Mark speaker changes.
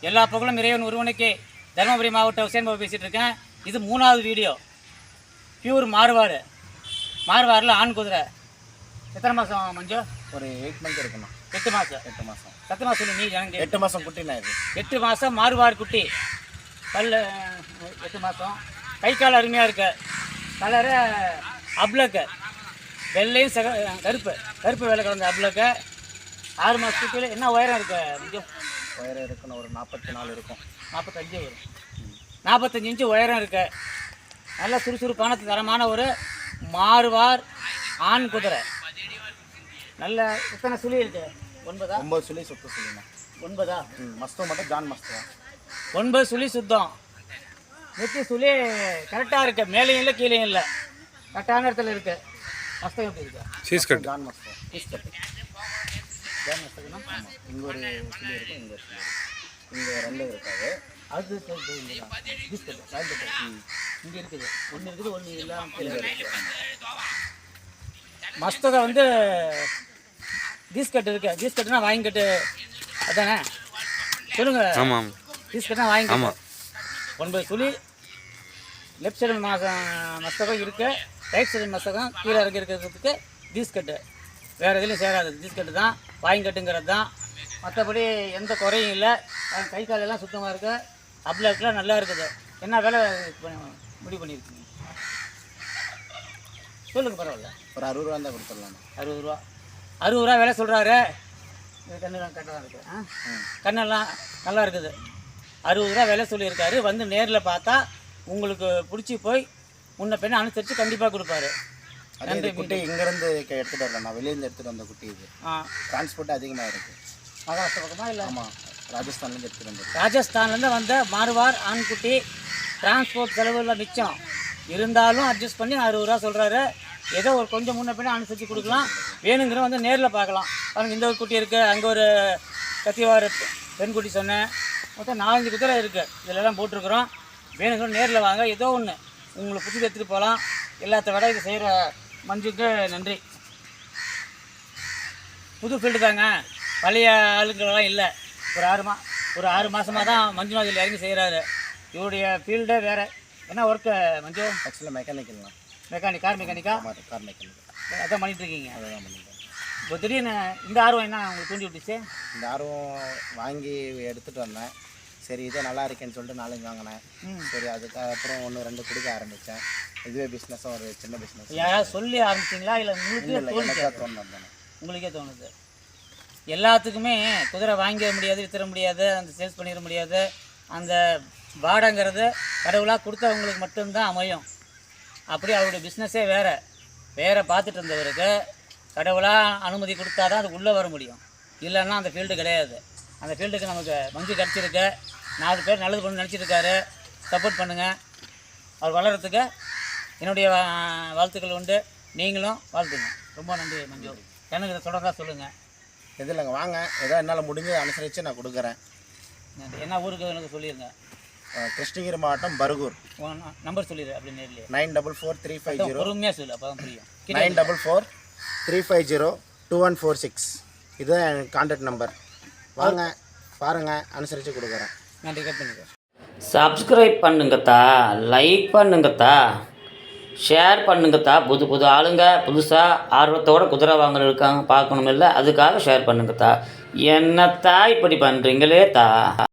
Speaker 1: எல்லா புகழும் இறைவன் ஒருவனுக்கே. தருமபுரி மாவட்டம் ஹுசேன் பாபு பேசிகிட்டு இருக்கேன். இது 3வது வீடியோ. பியூர் மார்வாடு. மார்வாடில் ஆண் குதிரை. எத்தனை மாதம் மஞ்சு?
Speaker 2: ஒரு 8 மந்த் இருக்குமா?
Speaker 1: 8 மாதம்.
Speaker 2: 8 மாதம்.
Speaker 1: சத்தமாக சொல்லு நீ ஜனங்க.
Speaker 2: 8 மாதம் குட்டினா இது.
Speaker 1: 8 மாதம் மார்வாடு குட்டி. பல் 8 மாதம். கை கால் அருமையாக இருக்கு. கலரு அப்ளக்கு. வெள்ளையும் கருப்பு கருப்பு வெள்ளை கலந்த அப்ளக்கு. 6 மாதத்துக்குள்ளே என்ன உயரம் இருக்கு மஞ்சு?
Speaker 2: உயரம் இருக்குன்னு ஒரு 44 இருக்கும்.
Speaker 1: 45 வரும். 45 இன்ச்சு உயரம் இருக்கு. நல்ல சுறுசுறுப்பான தரமான ஒரு மார்வார் ஆண் குதிரை. நல்ல எத்தனை சுழி இருக்கு?
Speaker 2: 9 சுழி சுத்த சுழிண்ணா.
Speaker 1: 9
Speaker 2: மஸ்தம் மட்டும் ஜான் மஸ்தம்.
Speaker 1: 9 சுழி சுத்தம். நெத்தி சுழி கரெக்டாக இருக்கு. மேலேயும் இல்லை கீழேயும் இல்லை, கரெக்டான இடத்துல இருக்கு. மஸ்தம் எப்படி இருக்கு?
Speaker 2: சீஸ்கட் ஜான் மஸ்தம்.
Speaker 1: சீஸ்கட் ஜான் மஸ்தம்னா
Speaker 2: இங்கே ஒரு சுழி இருக்கும், இங்கே ஒரு சுழி இருக்கும். இங்கே 2 இருக்காது.
Speaker 1: அது சீஸ்கட் இங்கே இருக்குது. ஒன்று இருக்குது, ஒன்று இல்லாமல். மஸ்தகை வந்து கீஸ்கட்டு இருக்கு. கீஸ்கட்டுனா வாங்கிக்கட்டு அதானே சொல்லுங்க.
Speaker 3: ஆமாம்,
Speaker 1: கீஸ்கட்டுனா வாங்கிக்கட்டு. 9 சுழி. லெஃப்ட் சைடு மஸ்தகம் இருக்குது, ரைட் சைடு மஸ்தகம் கீழே இறங்கி இருக்கிறதுக்கு கீஸ்கட்டு. வேறு எதுலையும் சேராது. கீஸ்கட்டு தான் வாங்கிக்கட்டுங்கிறது தான். மற்றபடி எந்த குறையும் இல்லை. கை காலெல்லாம் சுத்தமாக இருக்குது. அப்ளக்கெலாம் நல்லா இருக்குது. என்ன வேலை முடிவு பண்ணியிருக்கீங்க சொல்லுங்கள். பரவாயில்ல,
Speaker 2: ஒரு 60 ரூபா தான் கொடுத்துடலாம்.
Speaker 1: 60 ரூபா. 60 ரூபா வேலை சொல்கிறாரு. கண்ணெல்லாம் கரெக்டாக தான் இருக்குது. கண்ணெல்லாம் நல்லா இருக்குது. 60 ரூபா வேலை சொல்லியிருக்காரு. வந்து நேரில் பார்த்தா உங்களுக்கு பிடிச்சி போய் முன்ன பெண்ணை அனுசரித்து கண்டிப்பாக கொடுப்பாரு.
Speaker 2: நன்றி. குட்டி இங்கேருந்து எடுத்துகிட்டு வரல, நான் வெளியேருந்து எடுத்துகிட்டு வந்த குட்டி இது. டிரான்ஸ்போர்ட் அதிகமாக இருக்குது.
Speaker 1: மகாராஷ்டிரா பக்கமாக இல்லை?
Speaker 2: ஆமாம், ராஜஸ்தான்லேருந்து எடுத்துகிட்டு வந்தது.
Speaker 1: ராஜஸ்தான்லேருந்து வந்த மார்வார் ஆண்குட்டி. டிரான்ஸ்போர்ட் செலவுல மிச்சம் இருந்தாலும் அட்ஜஸ்ட் பண்ணி 60 ரூபா சொல்கிறாரு. ஏதோ ஒரு கொஞ்சம் முன்ன பின்ன அனுசரித்து கொடுக்கலாம். வேணுங்கிற வந்து நேரில் பார்க்கலாம். பாருங்கள், இந்த ஒரு குட்டி இருக்குது, அங்கே ஒரு கத்திவார பெண் குட்டி சொன்னேன். மொத்தம் 4-5 குதிரை இருக்குது. இதிலெல்லாம் போட்டிருக்குறோம். வேணுங்கிற நேரில் வாங்க. ஏதோ ஒன்று உங்களுக்கு பிடிச்சி எடுத்துகிட்டு போகலாம். எல்லாத்த விட இதை செய்கிற மஞ்சுக்கு நன்றி. புது ஃபீல்டு தாங்க, பழைய ஆளுங்களெல்லாம் இல்லை. ஒரு 6 மாதமாக தான் மஞ்சுநாத் இதில் இறங்கி செய்கிறாரு. இவருடைய ஃபீல்டே வேறு. என்ன ஒர்க்கு மஞ்சு?
Speaker 2: ஆக்சுவலாக மெக்கானிக்கல்ண்ணா.
Speaker 1: மெக்கானிக், கார் மெக்கானிக்கா?
Speaker 2: Car mechanical.
Speaker 1: அதான் பண்ணிகிட்ருக்கீங்க.
Speaker 2: அதான் பண்ணிட்டேன்.
Speaker 1: இப்போ திடீர்னு இந்த ஆர்வம் என்ன உங்களுக்கு தூண்டி விட்டுச்சு?
Speaker 2: இந்த ஆர்வம் வாங்கி எடுத்துகிட்டு வந்தேன். சரி, இதே நல்லா இருக்கேன்னு சொல்லிட்டு 4 வாங்கினேன். சரி, அதுக்கப்புறம் 1-2 கொடுக்க ஆரம்பித்தேன். இதுவே பிஸ்னஸும் ஒரு சின்ன பிஸ்னஸ்.
Speaker 1: யாராவது சொல்லி ஆரம்பிச்சிங்களா இல்லை
Speaker 2: உங்களுக்கே தோணுது?
Speaker 1: உங்களுக்கே தோணுது. எல்லாத்துக்குமே குதிரை வாங்கிட முடியாது, வித்துற முடியாது, அந்த சேல்ஸ் பண்ணிட முடியாது. அந்த வாடங்கிறது கடவுளாக கொடுத்தவங்களுக்கு மட்டும்தான் அமையும். அப்படி அவருடைய பிஸ்னஸே வேறு பார்த்துட்டு இருந்தவருக்கு கடவுளாக அனுமதி கொடுத்தா தான் அது உள்ளே வர முடியும். இல்லைன்னா அந்த ஃபீல்டு கிடையாது. அந்த ஃபீல்டுக்கு நமக்கு மஞ்சு கிடச்சிருக்கு. 4 பேர் நல்லது பண்ணு நினச்சிருக்காரு. சப்போர்ட் பண்ணுங்கள். அவர் வளர்கிறதுக்கு என்னுடைய வாழ்த்துக்கள் உண்டு. நீங்களும் வாழ்த்துங்க. ரொம்ப நன்றி மஞ்சு. எனக்கு இதை தொடர்ந்தா சொல்லுங்கள்.
Speaker 2: எது இல்லைங்க, வாங்க. ஏதோ என்னால் முடிஞ்ச அனுசரித்து நான் கொடுக்குறேன்.
Speaker 1: நன்றி. என்ன ஊருக்கு எனக்கு சொல்லிடுங்க.
Speaker 2: கிருஷ்ணகிரி மாவட்டம் பர்கூர்.
Speaker 1: நம்பர் சொல்லிடு அப்படி நேரில்.
Speaker 2: 944350.
Speaker 1: பொறுமையாக சொல்லு, அப்போ தான் புரியும்.
Speaker 2: 9443502146. இதுதான் என் கான்டாக்ட் நம்பர். வாங்க, பாருங்கள், அனுசரித்து கொடுக்குறேன்.
Speaker 1: நன்றி. கட் பண்ணிக்க.
Speaker 3: சப்ஸ்கிரைப் பண்ணுங்கத்தா, லைக் பண்ணுங்கத்தா, ஷேர் பண்ணுங்கத்தா. புது ஆளுங்க புதுசாக ஆர்வத்தோடு குதிரை வாங்குற இருக்காங்க, பார்க்கணும் இல்லை, அதுக்காக ஷேர் பண்ணுங்கத்தா. என்னத்தா இப்படி பண்ணுறீங்களே தா.